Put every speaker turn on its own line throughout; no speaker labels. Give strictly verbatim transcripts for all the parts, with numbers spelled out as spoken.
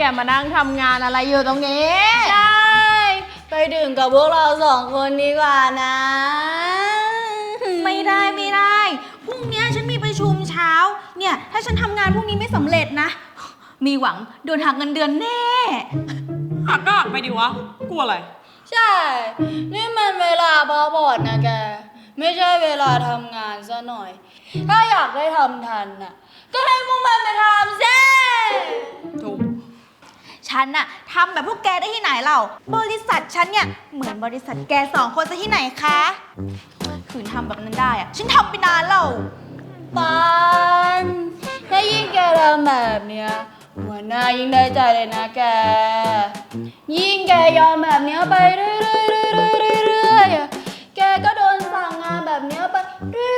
แกมานั่งทำงานอะไรอยู่ตรงนี้
ใช่ไปดื่มกับพวกเราสองคนดีกว่านะ
ไม่ได้ไม่ได้พรุ่งนี้ฉันมีประชุมเช้าเนี่ยถ้าฉันทำงานพรุ่งนี้ไม่สำเร็จนะมีหวังโดนหักเงินเดือนแน่
หักก็หักไปดิวะกลัวอะไร
ใช่นี่มันเวลาพักผ่อนนะแกไม่ใช่เวลาทำงานซะหน่อยถ้าอยากได้ทำทันน่ะก็ให้พวกมันไปทำสิ
ถูก
ฉันน่ะทำแบบพวกแกได้ที่ไหนเล่าบริษัทฉันเนี่ยเหมือนบริษัทแกสองคนซะที่ไหนคะขืนทำแบบนั้นได้อะฉันทำไปนานแล้ว
ปานถ้ายิ่งแกทำแบบเนี้ยหัวหน้ายิ่งได้ใจเลยนะแกยิ่งแกยอมแบบเนี้ยไปเรื่อยๆเรื่อยๆแกก็โดนสั่งงานแบบเนี้ยไปเรื่อย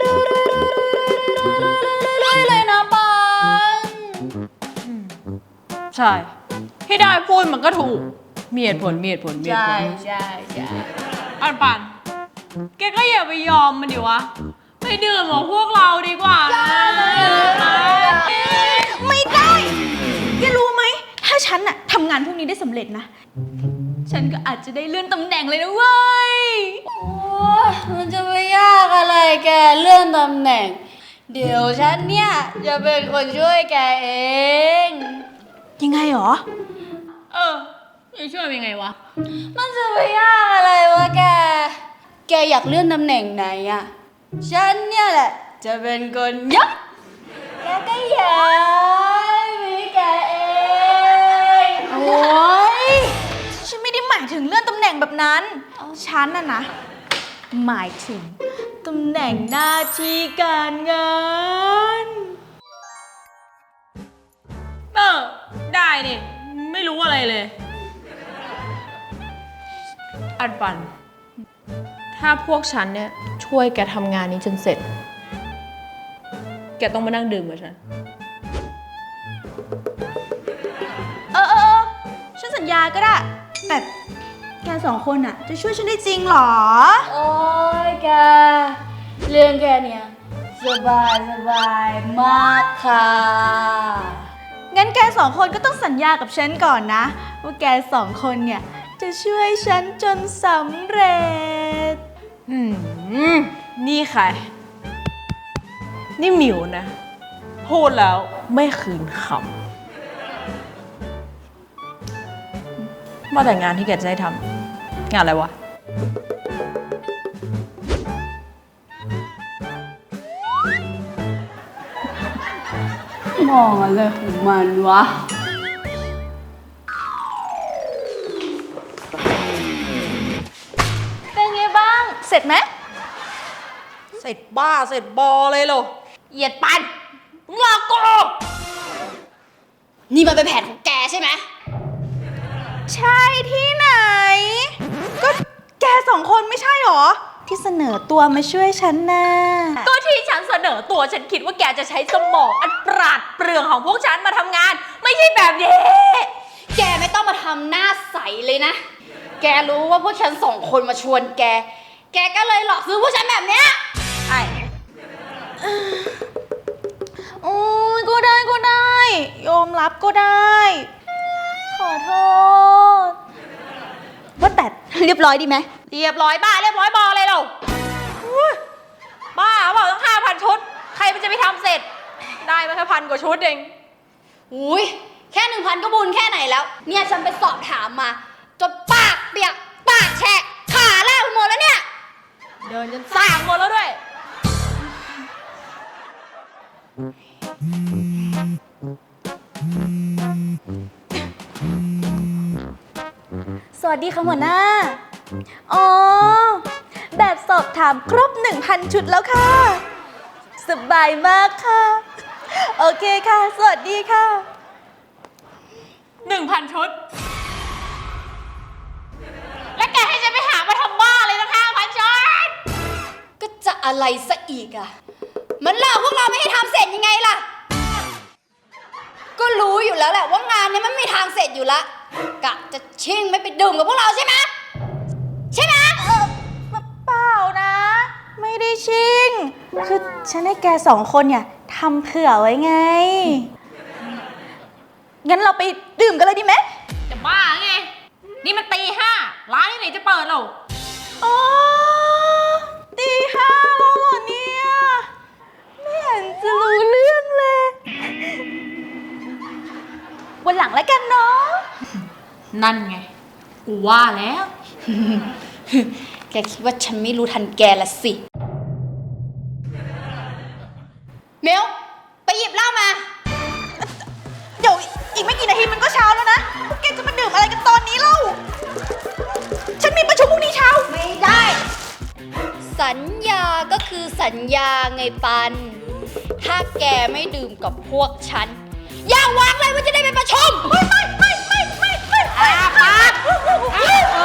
ๆเลยนะปาน
ใช่ที่ได้พูดมันก็ถูกมีเหตุผลมีเหตุผลมีเหตุผล
ใช่ใช่
อันปันแกก็อย่าไปยอมมันดิวะไปดื่มกับพวกเราดีกว่า
ไม่ได้แกรู้ไหมถ้าฉันน่ะทำงานพวกนี้ได้สำเร็จนะฉันก็อาจจะได้เลื่อนตำแหน่งเลยนะเว้ย
โอ้มันจะไปยากอะไรแกเลื่อนตำแหน่งเดี๋ยวฉันเนี่ยจะเป็นคนช่วยแกเอง
ยังไงหรอ
เออจะช่วยยังไงวะ
มันจะไปยากอะไรวะแกแกอยากเลื่อนตำแหน่งไหนอะฉันเนี่ยแหละจะเป็นคนยักแกก็ย้ายมีแกเอง
โอ้ยฉันไม่ได้หมายถึงเลื่อนตำแหน่งแบบนั้นฉันน่ะนะหมายถึงตำแหน่งหน้าที่การงาน
เออได้นี่ไม่รู้อะไรเลยอันปันถ้าพวกฉันเนี่ยช่วยแกทำงานนี้จนเสร็จแกต้องมานั่งดื่มกับฉัน
เออเออฉันสัญญาก็ได้แต่แกสองคนอะจะช่วยฉันได้จริงหรอ
โอ้ยแกเรื่องแกเนี่ยสบายสบายมากค่ะ
งั้นแกสองคนก็ต้องสัญญากับฉันก่อนนะว่าแกสองคนเนี่ยจะช่วยฉันจนสำเร็จ
อืมนี่ใครนี่หมิวนะพูดแล้วไม่คืนคำว่าแต่งานที่แกจะได้ทำงานอะไรวะ
มองอะไรของมันวะ
เป็นไงบ้างเสร็จไหม
เสร็จบ้าเสร็จบอเลยเหรอ
เหยียดปันมึงหลอกกู
นี่มันเป็นแผนของแกใช่ไหม
ใช่ที่ไหนก็แกสองคนไม่ใช่หรอที่เสนอตัวมาช่วยฉันน่ะ
ก็ที่ฉันเสนอตัวฉันคิดว่าแกจะใช้สมองอันปราดเปรื่องของพวกฉันมาทำงานไม่ใช่แบบนี้
แกไม่ต้องมาทำหน้าใสเลยนะแกรู้ว่าพวกฉันสองคนมาชวนแกแกก็เลยหลอกซื้อพวกฉันแบบเนี้ย
ใช่
โอ้ยก็ได้ก็ได้ยอมรับก็ได้ขอโทษว่าแต่เรียบร้อยดีไหม
เรียบร้อยบ้าเรียบร้อยบอเลยเราบ้าบอกต้องห้าพันชุดใครมันจะไปทำเสร็จได้มาแค่พันกว่าชุดเอง
อุ้ยแค่หนึ่งพันก็บุญแค่ไหนแล้วเนี่ยฉันไปสอบถามมาจนปากเปียกปากแฉะขาแลบหมดแล้วเนี่ย
เดินจนสางหมดแล้วด้วย
สวัสดีค่ะหัวหน้าอ๋อแบบสอบถามครบ หนึ่งพัน ชุดแล้วค่ะสบายมากค่ะโอเคค่ะสวัสดีค่ะ
หนึ่งพัน ชุดและแกให้ฉันไปหามาทำบ้าเลยนะห้าพัน ชุด
ก็จะอะไรซะอีกอะมันหลอกพวกเราไม่ให้ทำเสร็จยังไงล่ะก็รู้อยู่แล้วแหละว่างานนี้มันไม่มีทางเสร็จอยู่ละกะจะชิ่งไม่ไปดื่มกับพวกเราใช่ไหมใช่ไหม
เออเปล่านะไม่ได้ชิ่งคือฉันให้แกสองคนเนี่ยทำเผื่อไว้ไงงั้นเราไปดื่มกันเลยดีไหม
จะบ้าไง นี่มันตีห้าร้านที่ไหนจะเปิดหรอ
อ๋อตีห้าแล้วเหรอเนี่ย ไม่เห็นจะรู้เรื่องเลย วันหลังแล้วกันเนาะ
นั่นไง กูว่าแล้ว
แกคิดว่าฉันไม่รู้ทันแกละสิเมลไปหยิบเหล้ามา
เดี๋ยวอีกไม่กี่นาทีมันก็เช้าแล้วนะ พวกแกจะมาดื่มอะไรกันตอนนี้เล่า ฉันมีประชุมพรุ่งนี้เช้า ไม่ได้
สัญญาก็คือสัญญาไงปัน ถ้าแกไม่ดื่มกับพวกฉัน อย่าหวังเลยว่าจะได้ไปประชุม ไม่ไม่ไม่ไม่ไม่ไม่
อาปากเอ